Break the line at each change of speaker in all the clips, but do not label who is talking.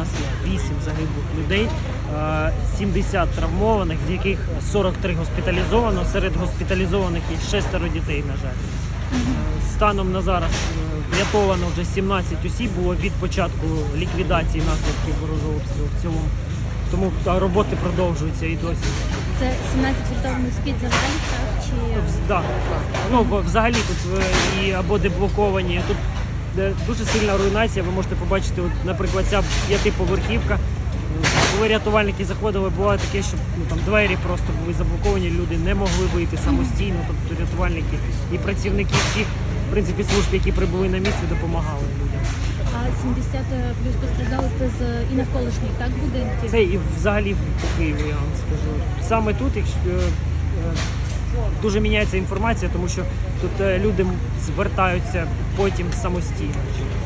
нас є 8 загиблих людей, 70 травмованих, з яких 43 госпіталізовано. Серед госпіталізованих є 6 дітей, на жаль. Станом на зараз врятовано вже 17 осіб, було від початку ліквідації наслідків ворожого обстрілу в цілому. Тому роботи продовжуються і досі.
Це 17 врятованих з-під завалів, так? Чи...
Так. Ну, взагалі тут і або деблоковані. Тут дуже сильна руйнація. Ви можете побачити, от, наприклад, ця 5-поверхівка. Коли рятувальники заходили, було таке, що там двері просто були заблоковані, люди не могли вийти самостійно. Тобто рятувальники і працівники всіх, в принципі, служб, які прибули на місце, допомагали людям.
А 70 плюс постраждали це з і навколишніх, так, будинків?
Це і взагалі по Києву, я вам скажу. Саме тут дуже міняється інформація, тому що тут люди звертаються потім самостійно.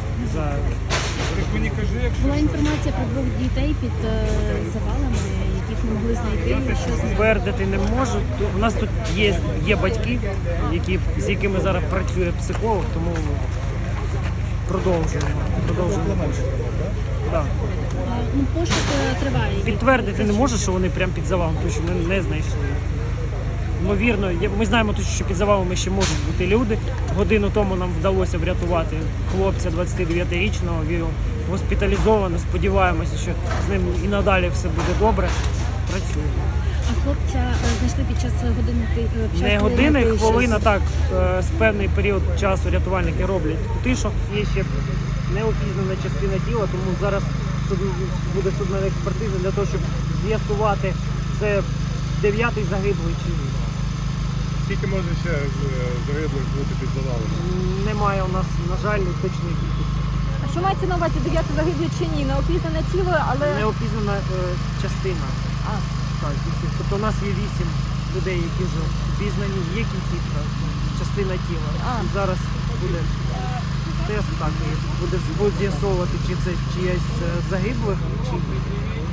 Була інформація про 2 дітей під завалами, яких не могли знайти. Що з ними?
Твердити не можу. У нас тут є батьки, з якими зараз працює психолог, тому продовжуємо пошук. Да.
Ну, пошук триває.
Підтвердити не можу, що вони прямо під завалом, тому що ми не знайшли. Ймовірно, ми знаємо точно, що під завалами ще можуть бути люди. Годину тому нам вдалося врятувати хлопця 29-річного, він госпіталізовано. Сподіваємося, що з ним і надалі все буде добре. Працюємо.
А хлопця знайшли під час години?
Не години, хвилина, так, з певний період часу рятувальники роблять кутишок. Є ще неопізнана частина тіла, тому зараз тут буде судна експертиза для того, щоб з'ясувати, це 9-й загиблий чи ні.
Скільки може ще загиблих бути під завалами?
Немає у нас, на жаль, точної кількості.
А що мається на увазі 9 загиблих чи ні? Неопізнане тіло, але...
Неопізнана частина. Так, тобто у нас є 8 людей, які вже впізнані, є кінцівка, частина тіла. І зараз буде тест, так, і буде з'ясовувати, чи це чиясь загиблих, чи ні.